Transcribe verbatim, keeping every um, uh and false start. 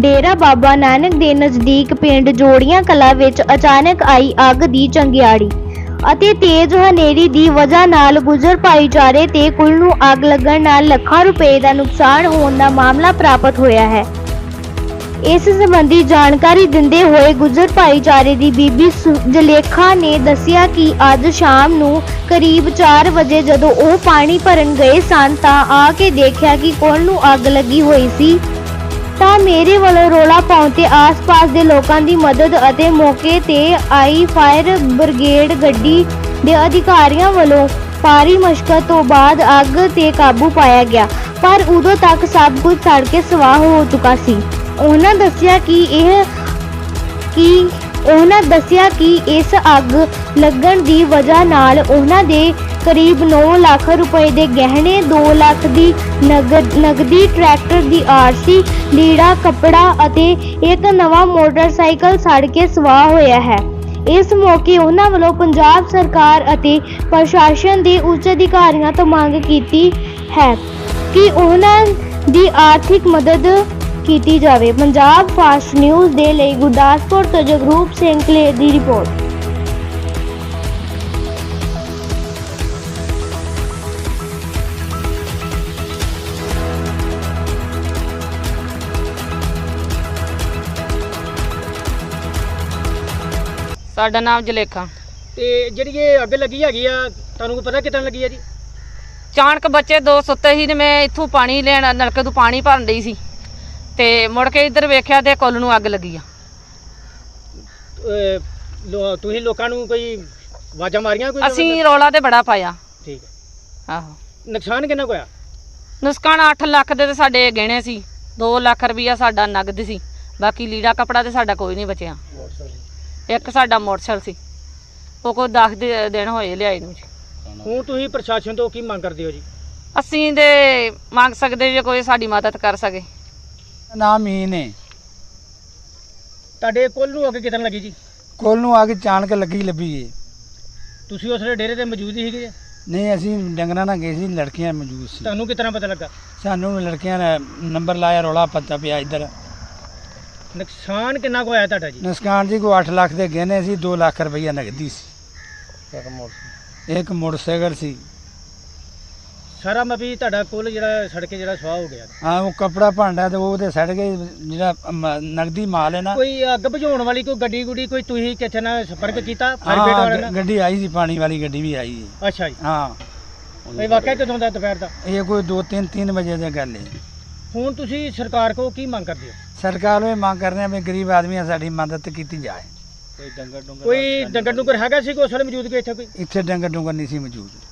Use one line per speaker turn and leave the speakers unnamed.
डेरा बाबा नानक के नज़दीक पिंड जोड़ियां कला विच अचानक आई अग की चंगियाड़ी ਅਤੇ तेज हनेरी की वजह नाल गुजर भाईचारे ते कुल नूं अग लगन नाल ਲੱਖਾਂ रुपए का नुकसान होने का मामला प्राप्त होया है। इस संबंधी जानकारी दिंदे हुए गुजर भाईचारे की बीबी जलेखा ने दस्सिया कि अज शाम नूं करीब चार बजे जदों ਉਹ पानी भरन गए सन तां आ के देखिया कि कुल नूं अग लगी हुई सी ਤਾਂ ਮੇਰੇ ਵੱਲੋਂ ਰੋਲਾ ਪਾਉਣ ਤੇ ਆਸ-ਪਾਸ ਦੇ ਲੋਕਾਂ ਦੀ ਮਦਦ ਅਤੇ ਮੌਕੇ ਤੇ ਆਈ ਫਾਇਰ ਬ੍ਰਿਗੇਡ ਗੱਡੀ ਦੇ ਅਧਿਕਾਰੀਆਂ ਵੱਲੋਂ ਭਾਰੀ ਮਸ਼ਕਤ ਤੋਂ ਬਾਅਦ ਅੱਗ ਤੇ ਕਾਬੂ ਪਾਇਆ ਗਿਆ, ਪਰ ਉਦੋਂ ਤੱਕ ਸਭ ਕੁਝ ਸੜ ਕੇ ਸਵਾਹ ਹੋ ਚੁੱਕਾ ਸੀ। ਉਹਨਾਂ ਦੱਸਿਆ ਕਿ ਇਹ ਕਿ ਉਹਨਾਂ ਦੱਸਿਆ ਕਿ ਇਸ ਅੱਗ ਲੱਗਣ ਦੀ ਵਜ੍ਹਾ ਨਾਲ ਉਹਨਾਂ ਦੇ करीब नौ लाख रुपए के गहने, दो लाख की नगद नगदी, ट्रैक्टर की आरसी, लीड़ा कपड़ा अते एक नवा मोटरसाइकिल सड़ के स्वाह होया है। इस मौके उन्हां वल्लों पंजाब सरकार अते प्रशासन के उच्च अधिकारियों तो मांग की है कि उन्हां दी आर्थिक मदद की जाए। पंजाब फास्ट न्यूज़ के लिए गुरदासपुर तो जगरूप सिंह कलेर की रिपोर्ट।
साडा नाम जलेखा।
ਤੇ ਜਿਹੜੀ ਇਹ ਅੱਗ ਲੱਗੀ ਹੈਗੀ ਆ ਤੁਹਾਨੂੰ ਕੋਈ ਪਤਾ ਕਿਤਨ ਲੱਗੀ ਆ ਜੀ?
ਚਾਣਕ ਬੱਚੇ ਦੋ ਸੁੱਤੇ ਸੀ ਤੇ ਮੈਂ ਇੱਥੋਂ ਪਾਣੀ ਲੈਣ ਨਲਕੇ ਤੋਂ ਪਾਣੀ ਭਰਨ ਡਈ ਸੀ ਤੇ ਮੁੜ ਕੇ ਇੱਧਰ ਵੇਖਿਆ ਤੇ ਕੁੱਲ ਨੂੰ ਅੱਗ ਲੱਗੀ ਆ।
ਅਹ ਲੋ- ਤੁਸੀਂ ਲੋਕਾਂ ਨੂੰ ਕੋਈ ਆਵਾਜ਼ਾਂ ਮਾਰੀਆਂ ਕੋਈ?
ਅਸੀਂ ਰੌਲਾ ਤੇ ਬੜਾ ਪਾਇਆ।
ਠੀਕ ਹੈ।
ਆਹੋ,
ਨੁਕਸਾਨ ਕਿੰਨਾ ਕੁ ਹੋਇਆ?
ਨੁਕਸਾਨ ਅੱਠ ਲੱਖ ਦੇ ਤੇ ਸਾਡੇ ਗਹਿਣੇ ਸੀ, ਦੋ ਲੱਖ ਰੁਪਈਆ ਸਾਡਾ ਨਗਦ ਸੀ, ਬਾਕੀ ਲੀੜਾ ਕੱਪੜਾ ਤੇ ਸਾਡਾ ਕੋਈ ਨਹੀਂ ਬਚਿਆ। ਇੱਕ ਸਾਡਾ ਮੋਟਰਸਾਈਕਲ ਸੀ, ਉਹ ਕੋਈ ਦਸ ਦਿਨ ਹੋਏ ਲਿਆਏ ਨੂੰ ਜੀ।
ਹੁਣ ਤੁਸੀਂ ਪ੍ਰਸ਼ਾਸਨ ਤੋਂ ਕੀ ਮੰਗ ਕਰਦੇ ਹੋ ਜੀ?
ਅਸੀਂ ਤੇ ਮੰਗ ਸਕਦੇ ਜੇ ਕੋਈ ਸਾਡੀ ਮਦਦ ਕਰ ਸਕੇ।
ਨਾਮ ਮੀਨ ਹੈ।
ਤੁਹਾਡੇ ਕੁੱਲ ਨੂੰ ਅੱਗ ਕਿਤਨ ਲੱਗੀ ਜੀ?
ਕੁੱਲ ਨੂੰ ਆ ਕੇ ਚਾਣਕ ਲੱਗੀ ਲੱਭੀ ਏ।
ਤੁਸੀਂ ਉਸ ਵੇਲੇ ਡੇਰੇ ਤੇ ਮੌਜੂਦ ਹੀ ਸੀਗੇ?
ਨਹੀਂ, ਅਸੀਂ ਡੰਗਰਾਂ ਨਾਲ ਗਏ ਸੀ, ਲੜਕੀਆਂ ਮੌਜੂਦ ਸੀ।
ਤੁਹਾਨੂੰ ਕਿਤਨਾ ਪਤਾ ਲੱਗਾ?
ਸਾਨੂੰ ਲੜਕੀਆਂ ਨੇ ਨੰਬਰ ਲਾਇਆ, ਰੌਲਾ ਪਤਾ ਪਿਆ ਇੱਧਰ।
ਨੁਕਸਾਨ ਕਿੰਨਾ ਕੁ ਹੋਇਆ ਤੁਹਾਡਾ ਜੀ?
ਨੁਕਸਾਨ ਜੀ ਕੋਈ ਅੱਠ ਲੱਖ ਦੇ ਗਹਿਣੇ ਸੀ, ਦੋ ਲੱਖ ਰੁਪਈਆ ਨਗਦੀ ਸੀ, ਇੱਕ ਮੋਟਰਸਾਈਕਲ ਸੀ।
ਸਾਰਾ ਮਬੀ ਤੁਹਾਡਾ ਕੁੱਲ ਜਿਹੜਾ ਸੜ ਕੇ ਜਿਹੜਾ ਸਵਾਹ ਹੋ ਗਿਆ?
ਹਾਂ, ਉਹ ਕੱਪੜਾ ਭਾਂਡਾ ਤੇ ਉਹ ਤੇ ਸੜ ਗਏ, ਜਿਹੜਾ ਮ- ਨਗਦੀ ਮਾਲ ਹੈ ਨਾ।
ਕੋਈ ਅੱਗ ਬੁਝਾਉਣ ਵਾਲੀ ਕੋਈ ਗੱਡੀ ਗੁੱਡੀ ਕੋਈ ਤੁਸੀਂ ਕਿੱਥੇ ਨਾਲ ਸੰਪਰਕ ਕੀਤਾ ਫਾਇਰ
ਹਾਂ,
ਬ੍ਰਿਗੇਡ ਵਾਲਿਆਂ
ਗ-
ਨਾਲ?
ਗੱਡੀ ਆਈ ਸੀ, ਪਾਣੀ ਵਾਲੀ ਗੱਡੀ ਵੀ ਆਈ ਹੈ।
ਅੱਛਾ ਜੀ।
ਹਾਂ,
ਇਹ ਵਾਕਿਆ ਕਦੋਂ ਦਾ ਦੁਪਹਿਰ ਦਾ?
ਇਹ ਕੋਈ ਦੋ ਤਿੰਨ ਤਿੰਨ ਵਜੇ ਦੀ ਗੱਲ ਹੈ।
ਹੁਣ ਤੁਸੀਂ ਸਰਕਾਰ ਕੋਲ ਕੀ ਮੰਗ ਕਰਦੇ ਹੋ?
ਸਰਕਾਰ ਨੂੰ ਇਹ ਮੰਗ ਕਰਦੇ ਆ ਵੀ ਗਰੀਬ ਆਦਮੀਆਂ ਸਾਡੀ ਮਦਦ ਕੀਤੀ ਜਾਏ।
ਕੋਈ ਡੰਗਰ ਡੁੰਗਰ ਹੈਗਾ ਸੀ ਕੋਈ ਉਸ ਵੇਲੇ ਮੌਜੂਦ ਕੋਈ ਇੱਥੇ ਕੋਈ?
ਇੱਥੇ ਡੰਗਰ ਡੁੰਗਰ ਨਹੀਂ ਸੀ ਮੌਜੂਦ।